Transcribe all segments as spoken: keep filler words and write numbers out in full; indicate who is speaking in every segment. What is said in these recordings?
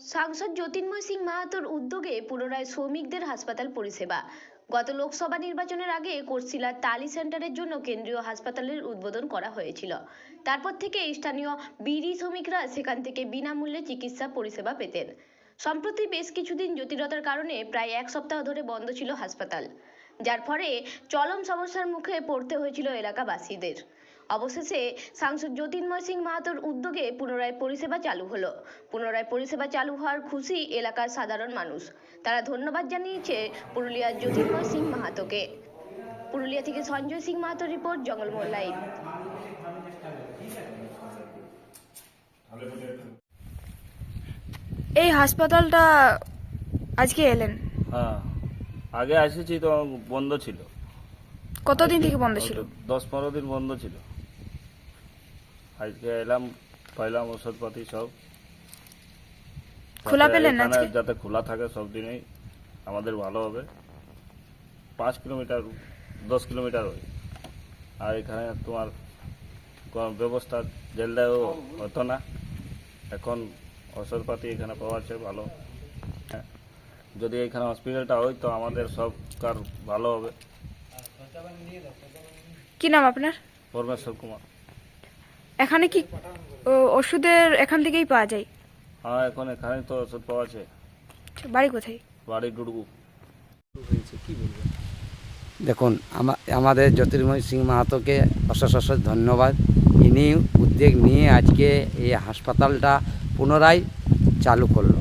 Speaker 1: সাংসদ জ্যোতির্ময় সিং মাহাতোর উদ্যোগে পুনরায় শ্রমিকদের হাসপাতাল পরিষেবা। গত লোকসভা নির্বাচনের আগে কোটশিলার টালি সেন্টারের জন্য কেন্দ্রীয় হাসপাতালের উদ্বোধন করা হয়েছিল। তারপর থেকে স্থানীয় বিড়ি শ্রমিকরা সেখান থেকে বিনামূল্যে চিকিৎসা পরিষেবা পেতেন। সম্প্রতি বেশ কিছুদিন জটিলতার কারণে প্রায় এক সপ্তাহ ধরে বন্ধ ছিল হাসপাতাল, যার ফলে চরম সমস্যার মুখে পড়তে হয়েছিল এলাকাবাসীদের। অবশেষে সাংসদ জ্যোতির্ময় সিং মাহাতোর উদ্যোগে পুনরায় পরিষেবা চালু হলো। পুনরায় পরিষেবা চালু হওয়ার খুশি এলাকার সাধারণ মানুষ। তারা ধন্যবাদ জানিয়েছে পুরুলিয়ার জ্যোতির্ময় সিং মাহাতোকে। পুরুলিয়া থেকে সঞ্জয় সিং মাহাতোর রিপোর্ট, জঙ্গলমহল লাইভ।
Speaker 2: এই হাসপাতালটা আজকে এলেন?
Speaker 3: হ্যাঁ, আগে এসেছি তো বন্ধ ছিল।
Speaker 2: কতদিন থেকে বন্ধ ছিল?
Speaker 3: দশ পনেরো দিন বন্ধ ছিল। আজকে এলাম, পাইলাম ওষুধপাতি সব।
Speaker 2: খোলা পেলেন না আজকে?
Speaker 3: যাতে খোলা থাকে সব দিনেই আমাদের ভালো হবে। পাঁচ কিলোমিটার দশ কিলোমিটার হয়। আর এখানে তোমার ব্যবস্থা জেলদাও হতো না, এখন ওষুধপাতি এখানে পাওয়া যাচ্ছে ভালো। হ্যাঁ, যদি এখানে হসপিটালটা হয় তো আমাদের সব কার ভালো হবে।
Speaker 2: কি নাম আপনার?
Speaker 3: পরমেশ্বর কুমার।
Speaker 2: এখানে কি ও- ওষুধের এখান থেকেই পাওয়া যায়?
Speaker 3: হ্যাঁ, এখন এখানে তো ওষুধ পাওয়া আছে।
Speaker 2: বাড়ি কোথায়?
Speaker 3: বাড়ি ডুডগু।
Speaker 4: দেখুন, আমাদের জ্যোতির্ময় সিং মাহাতোকে অশেষ অশেষ ধন্যবাদ। ইনি উদ্যোগ নিয়ে আজকে এই হাসপাতালটা পুনরায় চালু করলো।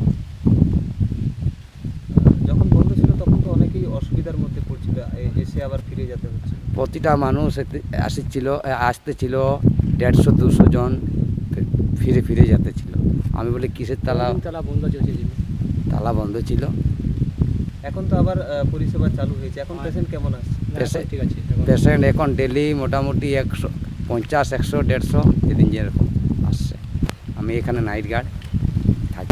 Speaker 5: যখন বন্ধ ছিল তখন তো অনেকেই অসুবিধার মধ্যে পড়ছিল, এ- এসে আবার ফিরে যেতে হচ্ছে।
Speaker 4: প্রতিটা মানুষ আসছিল আসতেছিল, দেড়শো দুশো জন ফিরে ফিরে যেতে ছিল। আমি বলি কিসের তালা?
Speaker 5: তালা বন্ধ চলছে,
Speaker 4: তালা বন্ধ ছিল।
Speaker 5: এখন তো আবার আহ, পরিষেবা চালু হয়েছে। এখন পেশেন্ট কেমন আসছে?
Speaker 4: পেশেন্ট
Speaker 5: ঠিক আছে।
Speaker 4: পেশেন্ট এখন ডেলি মোটামুটি একশো পঞ্চাশ একশো দেড়শো যেদিন যেরকম আসছে। আমি এখানে নাইট গার্ড থাকি।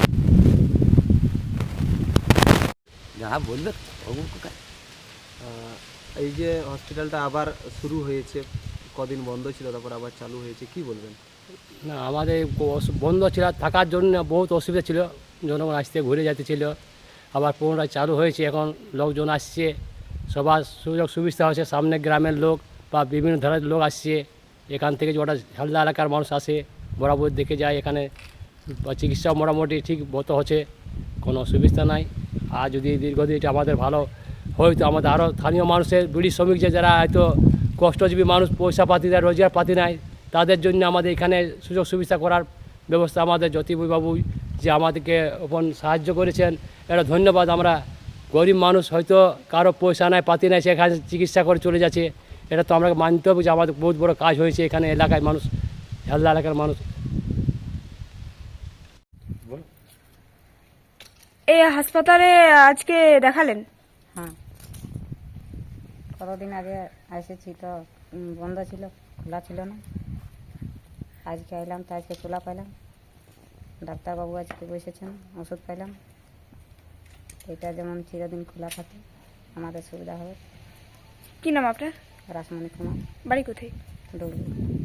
Speaker 4: যাহা বললো
Speaker 5: আহ, এই যে হসপিটালটা আবার শুরু হয়েছে, কদিন বন্ধ ছিল তারপর আবার চালু হয়েছে, কি বলবেন?
Speaker 6: না, আমাদের অস- বন্ধ ছিল, থাকার জন্য বহুত অসুবিধা ছিল। জনগণ আসতে ঘুরে যেতেছিল, আবার পুনরায় চালু হয়েছে। এখন লোকজন আসছে, সবার সুযোগ সুবিধা হচ্ছে। সামনে গ্রামের লোক বা বিভিন্ন ধরনের লোক আসছে। এখান থেকে যে ওটা হালদা এলাকার মানুষ আসে, বরাবর দেখে যায়। এখানে চিকিৎসা মোটামুটি ঠিক মতো হচ্ছে, কোনো অসুবিধা নাই। আর যদি দীর্ঘদিন এটা আমাদের ভালো হয়তো আমাদের আরও স্থানীয় মানুষের বিড়ি শ্রমিক যে যারা হয়তো কষ্টজীবী মানুষ, পয়সা পাতি দেয়, রোজগার পাতি নাই, তাদের জন্য আমাদের এখানে সুযোগ সুবিধা করার ব্যবস্থা আমাদের জ্যোতিবাবু যে আমাদেরকে ওপর সাহায্য করেছেন, এটা ধন্যবাদ। আমরা গরিব মানুষ, হয়তো কারো পয়সা নাই পাতি নাই, সেখানে চিকিৎসা করে চলে যাচ্ছে। এটা তো আমরা মানতে হবে যে আমাদের বহুত বড় কাজ হয়েছে এখানে এলাকায় মানুষ, হেলদা এলাকার মানুষ।
Speaker 2: এই হাসপাতালে আজকে দেখালেন?
Speaker 7: হ্যাঁ, কতদিন আগে এসেছি তো উম, বন্ধ ছিল, খোলা ছিল না। আজকে এলাম তো আজকে খোলা পাইলাম। ডাক্তারবাবু আজকে বসেছেন, ওষুধ পাইলাম। এটা যেমন চিরদিন খোলা থাকে আমাদের সুবিধা হবে।
Speaker 2: কি নাম আপনার?
Speaker 7: রাসমণি কুমার,
Speaker 2: বাড়ি কোথায়?
Speaker 7: ডুগলি।